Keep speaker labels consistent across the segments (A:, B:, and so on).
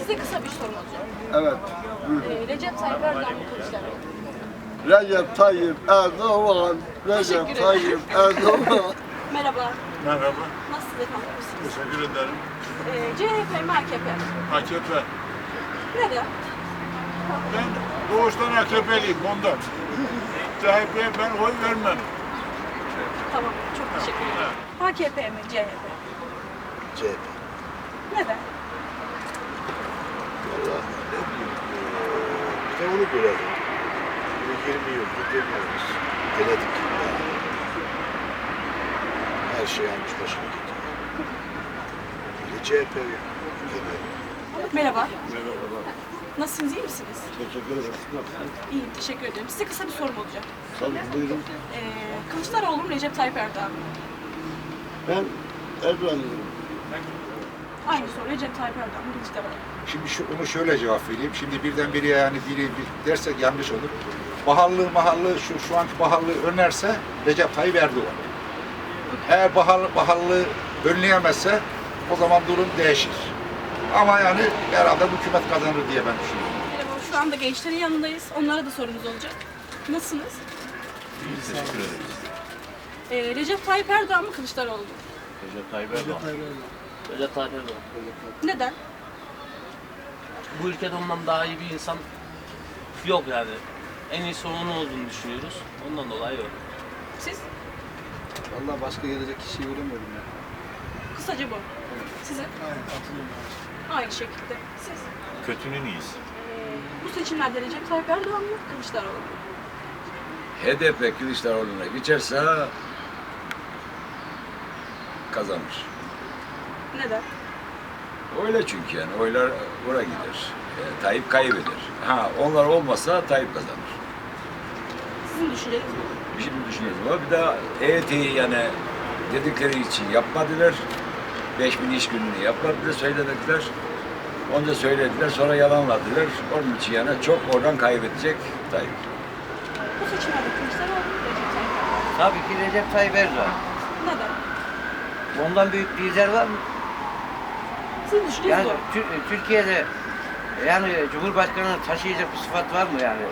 A: Size kısa bir sorum olacak.
B: Evet.
A: Recep Tayyip Erdoğan mı Kılıçdaroğlu?
B: Recep Tayyip Erdoğan. Recep
A: Teşekkür
B: Tayyip Erdoğan.
A: Merhaba.
C: Merhaba,
A: Nasılsınız efendim? İyisiniz.
C: teşekkür ederim.
A: CHP mi AKP mi?
C: AKP.
A: Neden?
C: Ben doğuştan AKP'liyim ondan. CHP'ye ben oy vermem.
A: Tamam. Çok teşekkür ederim. AKP mi? CHP?
D: CHP.
A: Neden?
D: Vallahi ne bileyim. Bir de onu görelim. 20 yıldır deniyoruz. Denedik. Her şey almış başına gidiyor. Bir de CHP deneyelim.
A: Merhaba.
C: Merhaba.
A: Nasılsınız? İyi misiniz?
B: Teşekkür ederim.
A: İyiyim. Teşekkür ederim. Size kısa bir sorum olacak.
B: Tabii buyurun.
A: Kılıçdaroğlu mu? Recep Tayyip Erdoğan mı?
B: Ben Erdoğan'ım.
A: Aynı soru. Recep Tayyip Erdoğan mı? Kılıçdaroğlu mu?
E: Şimdi onu şöyle cevap vereyim. Şimdi birdenbire yani biri dersek yanlış olur. Mahallı şu anki pahalılığı önerse Recep Tayyip Erdoğan. Eğer pahalılığı önleyemezse o zaman durum değişir. Ama yani herhalde bu hükümet kazanır diye ben düşünüyorum.
A: Merhaba. Şu anda gençlerin yanındayız. Onlara da sorumuz olacak. Nasılsınız?
F: Teşekkür ederiz.
A: Recep Tayyip Erdoğan mı? Kılıçdaroğlu mu?
F: Recep Tayyip Erdoğan. Recep Tayyip Erdoğan.
A: Neden?
F: Bu ülkede ondan daha iyi bir insan yok yani. En iyisi onun olduğunu düşünüyoruz. Ondan dolayı yok.
A: Siz?
G: Vallahi başka gelecek kişiyi göremiyorum ya.
A: Kısaca bu. Sizin?
G: Aynen, katılıyorum.
A: Aynı şekilde. Siz?
H: Kötünün iyisi.
A: Bu seçimlerde Recep Tayyip Erdoğan mı? Kılıçdaroğlu mu?
I: HDP Kılıçdaroğlu'na geçerse kazanır.
A: Neden?
I: Öyle çünkü yani oylar oraya gider. Tayyip kaybeder. Ha onlar olmasa Tayyip kazanır.
A: Sizin düşünceniz mi?
I: Şimdi düşünüyoruz ama bir daha EYT'yi yani dedikleri için yapmadılar. 5000 iş gününü yapmadılar, söylediler. Onca söylediler, sonra yalanladılar. Onun için yani çok oradan kaybedecek Tayyip.
A: Bu seçimlerde Kılıçdaroğlu mu? Recep Tayyip Erdoğan mı?
J: Tabii ki Recep Tayyip Erdoğan.
A: Neden?
J: Ondan büyük lider var mı?
A: Sizin düşünceniz
J: Yani
A: bu.
J: Türkiye'de yani Cumhurbaşkanı'nı taşıyacak bir sıfat var mı yani?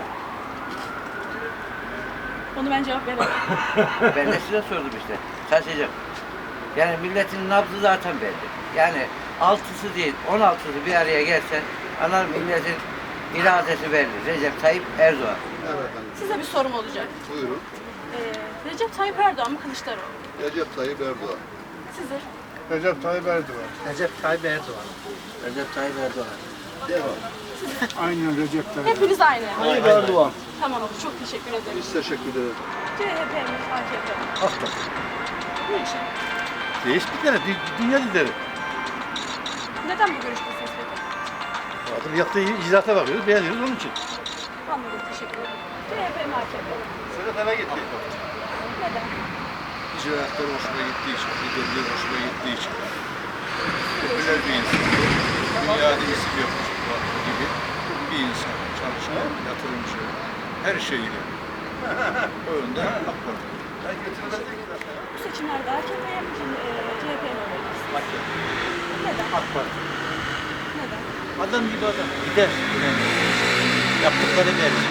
A: Onu ben cevap veremem.
J: Ben de size sordum işte. Taşıyacak. Yani milletin nabzı zaten belli. Yani 6'sı değil 16'sı bir araya gelse ana milletin iradesi belli. Recep Tayyip Erdoğan.
G: Evet efendim.
A: Size bir sorum olacak.
G: Buyurun.
A: Recep Tayyip Erdoğan mı? Kılıçdaroğlu mu?
G: Recep Tayyip Erdoğan.
A: Sizin?
C: Recep Tayyip Erdoğan.
J: Recep Tayyip Erdoğan. Recep Tayyip Erdoğan.
C: Aynen Recep Tayyip.
A: Hepiniz aynı.
G: Tayyip Erdoğan.
A: Tamam. Çok teşekkür ederim.
G: Biz teşekkür ederiz.
A: CHP mi? AKP mi?
D: AK Parti.
A: Niçin?
D: Değişiklikleri, dünya lideri.
A: Neden bu görüştesiniz peki?
D: Adam yaptığı icraata bakıyoruz, beğeniyoruz onun için.
A: Anladım. Teşekkür ederim. CHP mi? AKP mi?
D: Sedat eve gitti.
A: Neden?
D: İcraatları hoşuma gittiği için, liderliği hoşuma gittiği için. Popüler bir insan. Dünyada isim yapmış gibi bir insan. Çalışkan, yatırımcı, her şeyiyle. O yönden AK Parti.
A: Bu seçimlerde AKP'ye mi? CHP'ye mi oy verirsiniz? Neden?
D: AK Parti.
A: Neden?
D: Adam gibi adam. Gider. Yaptıkları belli.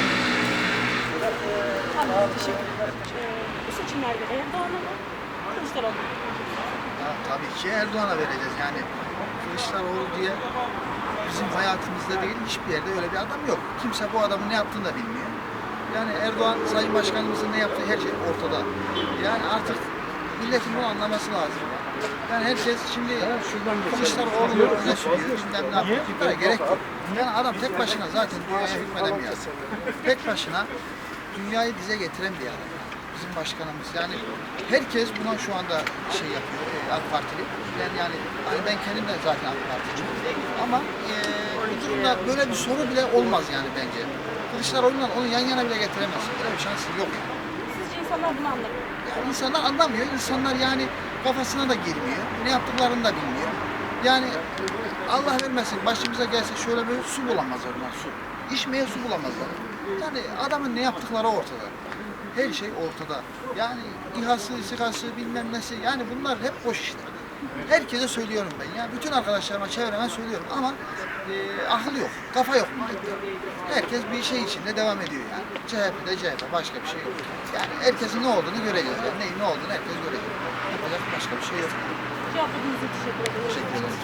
A: Anladım. Teşekkür ederim. Bu seçimlerde Erdoğan'a mı? Kılıçdaroğlu mu?
G: Tabii ki Erdoğan'a vereceğiz yani. Kılıçdaroğlu diye bizim hayatımızda değil hiçbir yerde öyle bir adam yok. Kimse bu adamın ne yaptığını da bilmiyor. Yani Erdoğan, Sayın Başkanımızın ne yaptığı her şey ortada. Yani artık milletin bunu anlaması lazım. Yani herkes şimdi Kılıçdaroğlu'nu öne sürüyor. Bilmem ne yapıyor. Bunlara gerek yok. Yani adam tek başına zaten dünyaya hükmedemiyor. Tek başına dünyayı dize getiren bir adam. Bizim başkanımız. Yani herkes buna şu anda şey yapıyor. AK Partili. Yani hani ben kendim de zaten AK Partiliyim. Ama bu durumda böyle bir soru bile olmaz yani bence. Kılıçdaroğlu'yla onu yan yana bile getiremezsin. Böyle bir şansı yok.
A: Sizce insanlar bunu anlamıyor?
G: Yani insanlar anlamıyor. İnsanlar yani kafasına da girmiyor. Ne yaptıklarını da bilmiyor. Yani Allah vermesin başımıza gelse şöyle bir su bulamazlar onlar su. İçmeye su bulamazlar. Yani adamın ne yaptıkları ortada. Her şey ortada. Yani İHA'sı, SİHA'sı bilmem nesi yani bunlar hep boş işler. Herkese söylüyorum ben ya. Bütün arkadaşlarıma, çevreme söylüyorum ama akıl yok, kafa yok. Herkes bir şey içinde devam ediyor yani. CHP'de CHP, başka bir şey yok. Yani herkesin ne olduğunu göreceğiz. Yani neyin ne olduğunu herkes görecek. Yapacak başka bir şey yok.
A: Cevapladığınız için teşekkür ederim.
G: Teşekkür ederim.